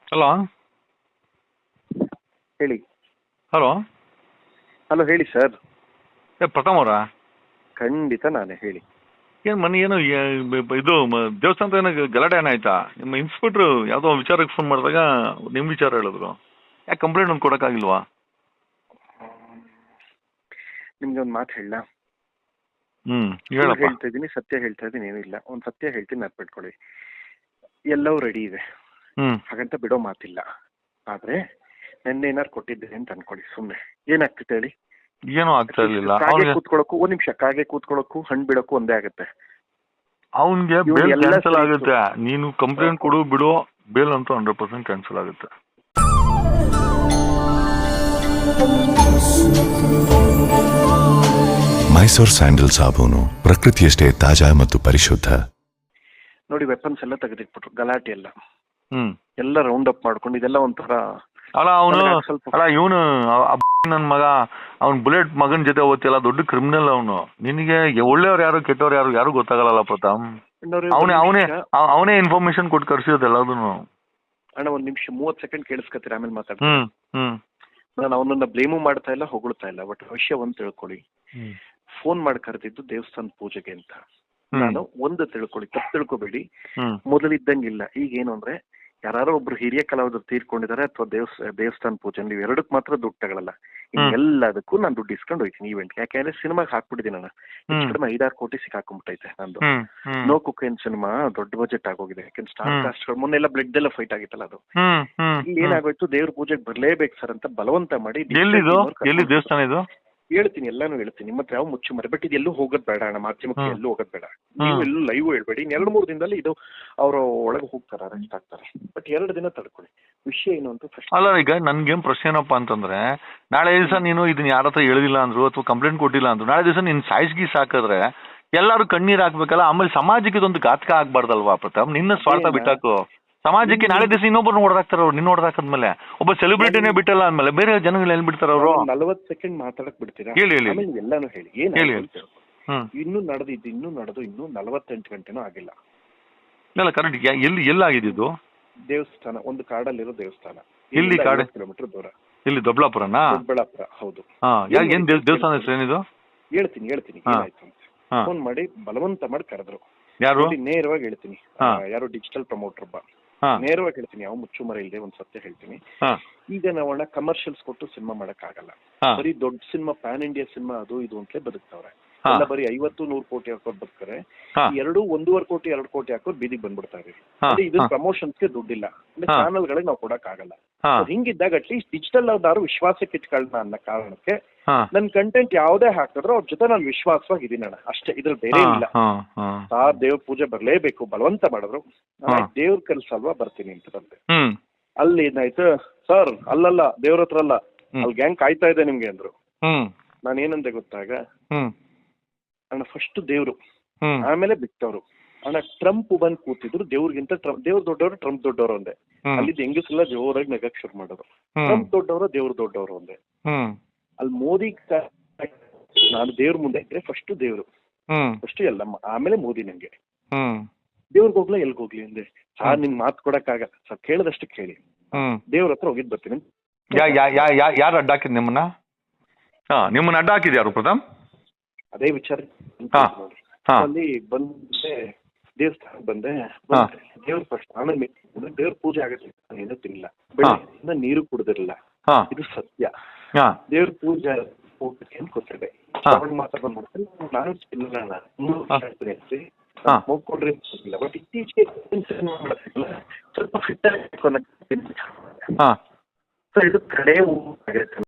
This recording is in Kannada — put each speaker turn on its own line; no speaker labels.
ಹಲೋ
ಹೇಳಿ.
ಹಲೋ
ಹಲೋ ಹೇಳಿ ಸರ್.
ಪ್ರಥಮ್ ಅವರಾ?
ಖಂಡಿತ ನಾನೇ, ಹೇಳಿ.
ಏನು ಮನೆ ಏನು ಇದು ದೇವಸ್ಥಾನದ ಏನೋ ಗಲಾಟೆ ಏನಾಯ್ತಾ? ನಿಮ್ಮ ಇನ್ಸ್ಪೆಕ್ಟ್ರು ಯಾವುದೋ ವಿಚಾರಕ್ಕೆ ಫೋನ್ ಮಾಡಿದಾಗ ನಿಮ್ಮ ವಿಚಾರ ಹೇಳಿದ್ರು. ಯಾಕೆ ಕಂಪ್ಲೇಂಟ್ ಒಂದು ಕೊಡೋಕ್ಕಾಗಿಲ್ವಾ?
ನಿಮ್ಗೆ ಒಂದು ಮಾತು ಹೇಳ.
ಹೇಳಪ್ಪ.
ಹೇಳ್ತಾ ಇದ್ದೀನಿ, ಸತ್ಯ ಹೇಳ್ತಾ ಇದ್ದೀನಿ, ಏನಿಲ್ಲ. ಒಂದು ಸತ್ಯ ಹೇಳ್ತೀನಿ, ನೆನ್ಪಿಟ್ಕೊಳ್ಳಿ. ಎಲ್ಲವೂ ರೆಡಿ ಇದೆ, ಹಾಗಂತ ಬಿಡೋ ಮಾತಿಲ್ಲ. ಆದ್ರೆ ನೆನ್ನೆ ಏನಾರು ಕೊಟ್ಟಿದ್ದೆ ಅಂತ ಅನ್ಕೊಳ್ಳಿ, ಸುಮ್ಮನೆ ಏನಾಗ್ತಿತ್ತು ಹೇಳಿ?
ಏನೂ ಆಗ್ತಾ ಇರ್ಲಿಲ್ಲ.
ಕಾಗೆ ಕೂತ್ಕೊಳ್ಳೋಕ್ಕೂ, ಒಂದ್ ನಿಮಿಷ, ಕಾಗೆ ಕೂತ್ಕೊಳ್ಳೋಕ್ಕೂ ಹಣ್ಣು ಬಿಡೋಕ್ಕೂ ಒಂದೇ ಆಗುತ್ತೆ.
ಅವನ್ಗೆ ಬೇಲ್ ಕ್ಯಾನ್ಸಲ್ ಆಗುತ್ತೆ. ನೀನು ಕಂಪ್ಲೇಂಟ್ ಕೊಡು ಬಿಡು, ಬೇಲ್ ಅಂತೂ 100% ಕ್ಯಾನ್ಸಲ್ ಆಗುತ್ತೆ.
ಮೈಸೂರ್ ಸ್ಯಾಂಡಲ್ ಸಾಬೂನು ಪ್ರಕೃತಿಯಷ್ಟೇ ತಾಜಾ ಮತ್ತು ಪರಿಶುದ್ಧ.
ನೋಡಿ, ವೆಪನ್ಸ್ ಎಲ್ಲ ತೆಗೆದಿಟ್ಬಿಟ್ರು, ಗಲಾಟೆ ಎಲ್ಲ ಎಲ್ಲ ರೌಂಡ್ ಅಪ್ ಮಾಡ್ಕೊಂಡು, ಇದೆಲ್ಲ ಒಂಥರ
ಅಲ್ಲ. ಇವನು ನನ್ನ ಮಗ, ಅವ್ನ್ ಬುಲೆಟ್ ಮಗನ್ ಜೊತೆ ಓದ್ತಿಲ್ಲ, ದೊಡ್ಡ ಕ್ರಿಮಿನಲ್ ಅವನು. ನಿನಗೆ ಒಳ್ಳೆಯವ್ರು ಯಾರು ಕೆಟ್ಟವ್ರು ಯಾರು ಯಾರು ಗೊತ್ತಾಗಲ್ಲ ಪ್ರತಾಪ್. ಅವನೇ ಇನ್ಫಾರ್ಮೇಶನ್ ಕೊಟ್ಟು ಕರ್ಸಿರೋದು ಎಲ್ಲದನ್ನು.
ಅಣ್ಣ, ಒಂದ್ ನಿಮಿಷ 30 ಸೆಕೆಂಡ್ ಕೇಳಿಸ್ಕೊತೀರ, ಆಮೇಲೆ ಮಾತಾಡ್ತೀನಿ. ನಾನು ಅವನನ್ನ ಬ್ಲೇಮು ಮಾಡ್ತಾ ಇಲ್ಲ, ಹೊಗಳ್ತಾ ಇಲ್ಲ. ಬಟ್ ವಿಷಯ ಒಂದ್ ತಿಳ್ಕೊಳ್ಳಿ, ಫೋನ್ ಮಾಡಿ ಕರೆದಿದ್ದು ದೇವಸ್ಥಾನ ಪೂಜೆಗೆ ಅಂತ. ನಾನು ಒಂದು ತಿಳ್ಕೊಳ್ಳಿ, ತಪ್ಪು ತಿಳ್ಕೊಬೇಡಿ. ಮೊದಲಿದ್ದಂಗಿಲ್ಲ. ಈಗ ಏನು ಅಂದ್ರೆ, ಯಾರು ಒಬ್ರು ಹಿರಿಯ ಕಲಾವಿದರು ತೀರ್ಕೊಂಡಿದ್ದಾರೆ ಅಥವಾ ದೇವಸ್ಥಾನ ಪೂಜೆ, ನೀವು ಎರಡಕ್ಕೆ ಮಾತ್ರ ದುಡ್ಡು ತಗೊಳ್ಳಲ್ಲ. ಎಲ್ಲದಕ್ಕೂ ನಾನು ದುಡ್ಡು ಇಸ್ಕೊಂಡು ಹೋಯ್ತೀನಿ ಈವೆಂಟ್. ಯಾಕೆಂದ್ರೆ ಸಿನಿಮಾಗೆ ಹಾಕ್ಬಿಟ್ಟಿದ್ದೀನಿ ನಾನು. ಹೆಚ್ಚು ಕಡಿಮೆ 5-6 ಕೋಟಿ ಸಿಕ್ಕಾಕೊಂಡ್ಬಿಟ್ಟೈತೆ ನಂದು. ನೋ ಕುಕೇನ್ ಸಿನಿಮಾ ದೊಡ್ಡ ಬಜೆಟ್ ಆಗೋಗಿದೆ. ಯಾಕೆಂದ್ರೆ ಸ್ಟಾರ್ ಕಾಸ್ಟ್ಗಳು ಮೊನ್ನೆಲ್ಲ ಬ್ಲಡ್ ಎಲ್ಲ ಫೈಟ್ ಆಗಿತ್ತಲ್ಲ, ಅದು ಇಲ್ಲಿ ಏನಾಗೋಯ್ತು, ದೇವ್ರ ಪೂಜೆಗೆ ಬರ್ಲೇಬೇಕು ಸರ್ ಅಂತ ಬಲವಂತ ಮಾಡಿ.
ದೇವಸ್ಥಾನ ಇದು
ಹೇಳ್ತೀನಿ, ಎಲ್ಲಾನು ಹೇಳ್ತೀನಿ. ನಿಮ್ಮ ಹತ್ರ ಯಾವ ಮುಚ್ಚು ಮರೆ. ಬಟ್ ಇದೆಲ್ಲೂ ಹೋಗೋದ್ ಬೇಡ ಅಣ್ಣ, ಮಾಧ್ಯಮಕ್ಕೆ ಎಲ್ಲೂ ಹೋಗೋದ್ ಬೇಡ. ನೀವು ಎಲ್ಲೂ ಲೈವ್ ಹೇಳ್ಬೇಡಿ. 2-3 ದಿನದಲ್ಲಿ ಇದು ಅವರು ಒಳಗೆ ಹೋಗ್ತಾರೆ, ಅರೆಸ್ಟ್ ಆಗ್ತಾರೆ. ಬಟ್ 2 ದಿನ ತಡ್ಕೊಳ್ಳಿ. ವಿಷಯ ಏನು ಅಂತ ಫಸ್ಟ್.
ಅಲ್ಲ, ಈಗ ನನ್ಗೇನ್ ಪ್ರಶ್ನೆ ಏನಪ್ಪಾ ಅಂತಂದ್ರೆ, ನಾಳೆ ದಿವಸ ನೀನು ಇದನ್ನ ಯಾರ ಹತ್ರ ಹೇಳಿಲ್ಲ ಅಂದ್ರು ಅಥವಾ ಕಂಪ್ಲೇಂಟ್ ಕೊಟ್ಟಿಲ್ಲ ಅಂದ್ರು, ನಾಳೆ ದಿವಸ ನೀನ್ ಸಾಯಿಸ್ಗಿ ಸಾಕಿದ್ರೆ ಎಲ್ಲಾರು ಕಣ್ಣೀರ್ ಹಾಕ್ಬೇಕಲ್ಲ. ಆಮೇಲೆ ಸಮಾಜಕ್ಕೆ ಇದೊಂದು ಘಾತಕ ಆಗ್ಬಾರ್ದಲ್ವಾ ಪ್ರತಾಪ್? ನಿನ್ನ ಸ್ವಾರ್ಥ ಬಿಟ್ಟಾಕು. ಸಮಾಜಕ್ಕೆ ನಾಳೆ ದಿವಸ ಇನ್ನೊಬ್ಬರು ನೋಡ್ದಾಕ್ತಾರ ಅವ್ರು. ನಿನ್ನ ನೋಡ್ದಾಕದ್ಮೇಲೆ ಒಬ್ಬ ಸೆಲೆಬ್ರಿಟಿನೇ ಬಿಟ್ಟಲ್ಲ ಅಂದ್ಮೇಲೆ ಬೇರೆ ಜನಗಳು ಎಲ್ಲಿ ಬಿಡ್ತಾರ ಅವರು?
40 ಸೆಕೆಂಡ್ ಮಾತಾಡಕ್ ಬಿಡ್ತೀರಾ?
ಹೇಳಿ
ಎಲ್ಲಾನು ಹೇಳಿ. ಇನ್ನೂ ನಡೆದು 48 ಗಂಟೆನೂ ಆಗಿಲ್ಲ.
ಇಲ್ಲ, ಕರೆಕ್ಟ್. ಎಲ್ಲಾಗಿದ್ದು?
ದೇವಸ್ಥಾನ, ಒಂದು ಕಾಡಲ್ಲಿರೋ ದೇವಸ್ಥಾನ.
ಎಲ್ಲಿ? ಕಾಡು
ಕಿಲೋಮೀಟರ್ ದೂರ.
ಇಲ್ಲಿ ದೊಡ್ಡಬಳ್ಳಾಪುರನಾ?
ದೊಡ್ಡಬಳ್ಳಾಪುರ, ಹೌದು.
ಏನ್ ದೇವಸ್ಥಾನ ಹೆಸರು ಏನಿದು?
ಹೇಳ್ತೀನಿ ಏನಾಯ್ತು ಅಂತ. ಫೋನ್ ಮಾಡಿ ಬಲವಂತ ಮಾಡಿ ಕರೆದ್ರು.
ಯಾರು?
ನೇರವಾಗಿ ಹೇಳ್ತೀನಿ. ಯಾರು ಡಿಜಿಟಲ್ ಪ್ರಮೋಟರ್ ಒಬ್ಬ. ನೇರವಾಗಿ ಹೇಳ್ತೀನಿ, ಯಾವ ಮುಚ್ಚುಮರೆ ಇಲ್ಲದೆ ಒಂದ್ ಸತ್ಯ ಹೇಳ್ತೀನಿ. ಈಗ ನಾವಣ್ಣ ಕಮರ್ಷಿಯಲ್ಸ್ ಕೊಟ್ಟು ಸಿನಿಮಾ ಮಾಡಕ್ ಆಗಲ್ಲ. ಬರೀ ದೊಡ್ಡ ಸಿನಿಮಾ, ಪ್ಯಾನ್ ಇಂಡಿಯಾ ಸಿನಿಮಾ ಅದು ಇದು ಅಂತಲೇ ಬದುಕ್ತವ್ರೆ. ಎಲ್ಲ ಬರೀ 50-100 ಕೋಟಿ ಹಾಕೋರು ಬದುಕ್ತಾರೆ. 1.5 ಕೋಟಿ 2 ಕೋಟಿ ಹಾಕೋರು ಬೀದಿಗೆ ಬಂದ್ಬಿಡ್ತಾರೆ. ಇದು ಪ್ರಮೋಷನ್ಸ್ಗೆ ದುಡ್ಡಿಲ್ಲ, ಅಂದ್ರೆ ಚಾನಲ್ ಗಳಿಗೆ ನಾವು ಕೊಡಕ್ ಆಗಲ್ಲ. ಹಿಂಗಿದ್ದಾಗ ಅಟ್ಲೀಸ್ಟ್ ಡಿಜಿಟಲ್ ಅವ್ರು ವಿಶ್ವಾಸಕ್ಕೆ ಇಟ್ಕೊಳ್ಳೋಣ ಅನ್ನೋ ಕಾರಣಕ್ಕೆ ನನ್ ಕಂಟೆಂಟ್ ಯಾವ್ದೇ ಹಾಕಿದ್ರು ಅವ್ರ ಜೊತೆ ನಾನು ವಿಶ್ವಾಸವಾಗಿದ್ದೀನಿ ಅಣ್ಣ, ಅಷ್ಟೇ. ಇದ್ರಲ್ಲಿ ಬೇರೆ ಇಲ್ಲ. ದೇವ್ರ ಪೂಜೆ ಬರ್ಲೇಬೇಕು ಬಲವಂತ ಮಾಡಿದ್ರು. ದೇವ್ರ ಕೆಲ್ಸ ಅಲ್ವಾ, ಬರ್ತೀನಿ ಅಂತ ಬಂದೆ. ಅಲ್ಲಿ ಏನಾಯ್ತು, ಸರ್ ಅಲ್ಲಲ್ಲ ದೇವ್ರ ಹತ್ರ ಅಲ್ಲ, ಅಲ್ಲಿ ಗ್ಯಾಂಗ್ ಕಾಯ್ತಾ ಇದೆ ನಿಮ್ಗೆ ಅಂದ್ರು. ನಾನು ಏನಂದೆ ಗೊತ್ತಾಗ, ಅಣ್ಣ ಫಸ್ಟ್ ದೇವ್ರು, ಆಮೇಲೆ ಬಿಟ್ಟವ್ರು. ಅಣ್ಣ ಟ್ರಂಪ್ ಬಂದ್ ಕೂತಿದ್ರು, ದೇವ್ರಿಗಿಂತ ದೇವ್ರ ದೊಡ್ಡವರು, ಟ್ರಂಪ್ ದೊಡ್ಡವರು ಒಂದೇ. ಅಲ್ಲಿದ್ದ ಹೆಂಗಸೆಲ್ಲ ಜೋರಾಗಿ ನಗಕ್ ಶುರು ಮಾಡಿದ್ರು. ಟ್ರಂಪ್ ದೊಡ್ಡವರು, ದೇವ್ರ ದೊಡ್ಡವರು ಒಂದೇ. ಅಲ್ಲಿ ಮೋದಿ ನಾನು ದೇವ್ರ ಮುಂದೆ ಇದ್ರೆ ಫಸ್ಟ್ ದೇವ್ರು, ಫಸ್ಟ್ ಎಲ್ಲಮ್ಮ, ಆಮೇಲೆ ಮೋದಿ. ನಂಗೆ ದೇವ್ರಿಗೆ ಹೋಗ್ಲಾ ಎಲ್ಗ ಹೋಗ್ಲಿ ಅಂದೆ. ನಿಮ್ ಮಾತು ಕೊಡಕ್ ಆಗಲ್ಲ ಸರ್, ಕೇಳದಷ್ಟು ಕೇಳಿ. ದೇವ್ರ ಹತ್ರ ಹೋಗಿದ್ ಬರ್ತೀನಿ.
ಯಾರು ಅಡ್ಡ ಹಾಕಿದ್ ನಿಮ್ಮನ್ನ? ನಿಮ್ಮನ್ನ ಅಡ್ಡ ಹಾಕಿದ್ ಯಾರು ಪ್ರಥಮ್?
ಅದೇ ವಿಚಾರ. ಅಲ್ಲಿ ಬಂದೆ, ದೇವಸ್ಥಾನ ಬಂದೆ. ದೇವ್ರ ಫಸ್ಟ್, ಆಮೇಲೆ ದೇವ್ರ ಪೂಜೆ ಆಗತ್ತೆ. ಏನೂ ತಿನ್ನಿಲ್ಲ, ಬೆಳಿಗ್ಗೆ ನೀರು ಕುಡ್ದಿರಲಿಲ್ಲ. ಇದು ಸತ್ಯ. ದೇವ್ರ ಪೂಜೆ ಏನ್ ಕೊಟ್ಟಿದೆ ಮಾತಾಡ್ಕೊಂಡು ಮಾಡ್ತೀನಿ. ನಾನು ಹೋಗ್ಕೊಂಡ್ರೆ ಬಟ್ ಇತ್ತೀಚೆಗೆ ಸ್ವಲ್ಪ ಫಿಟ್ ಆಗಿ ಇದು ಕಡೆ